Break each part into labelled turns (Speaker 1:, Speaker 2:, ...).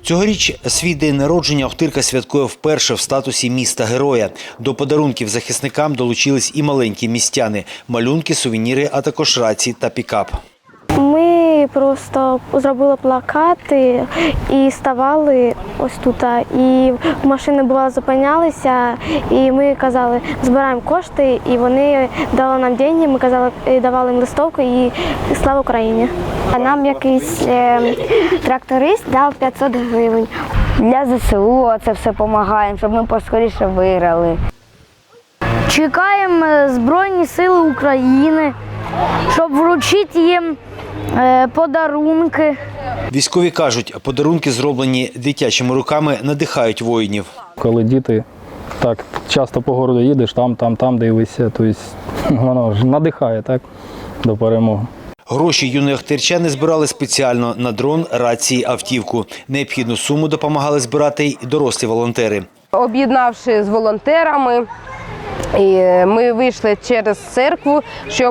Speaker 1: Цьогоріч свій день народження Охтирка святкує вперше в статусі міста-героя. До подарунків захисникам долучились і маленькі містяни – малюнки, сувеніри, а також рації та пікап.
Speaker 2: Ми просто зробили плакати і ставали ось тут. І машини бувало зупинялися, і ми казали, збираємо кошти, і вони дали нам гроші, ми казали, давали їм листовку і слава Україні.
Speaker 3: Нам якийсь тракторист дав 500 гривень. Для ЗСУ це все допомагає, щоб ми поскоріше виграли.
Speaker 4: Чекаємо Збройні Сили України, щоб вручити їм подарунки.
Speaker 1: Військові кажуть, подарунки, зроблені дитячими руками, надихають воїнів.
Speaker 5: Коли діти так часто по городу їдеш, там дивишся, тобто воно ж надихає так, до перемоги.
Speaker 1: Гроші юні охтирчани збирали спеціально на дрон, рації, автівку. Необхідну суму допомагали збирати й дорослі волонтери.
Speaker 6: Об'єднавши з волонтерами, ми вийшли через церкву, щоб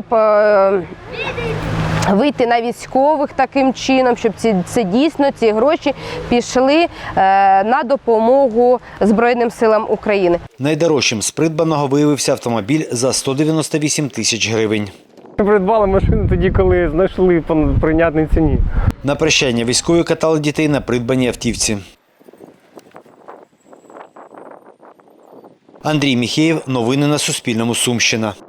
Speaker 6: вийти на військових таким чином, щоб ці гроші пішли на допомогу Збройним силам України.
Speaker 1: Найдорожчим з придбаного виявився автомобіль за 198 тисяч гривень.
Speaker 7: Придбали машину тоді, коли знайшли по прийнятній ціні.
Speaker 1: На прощання військові катали дітей на придбаній автівці. Андрій Міхеєв. Новини на Суспільному. Сумщина.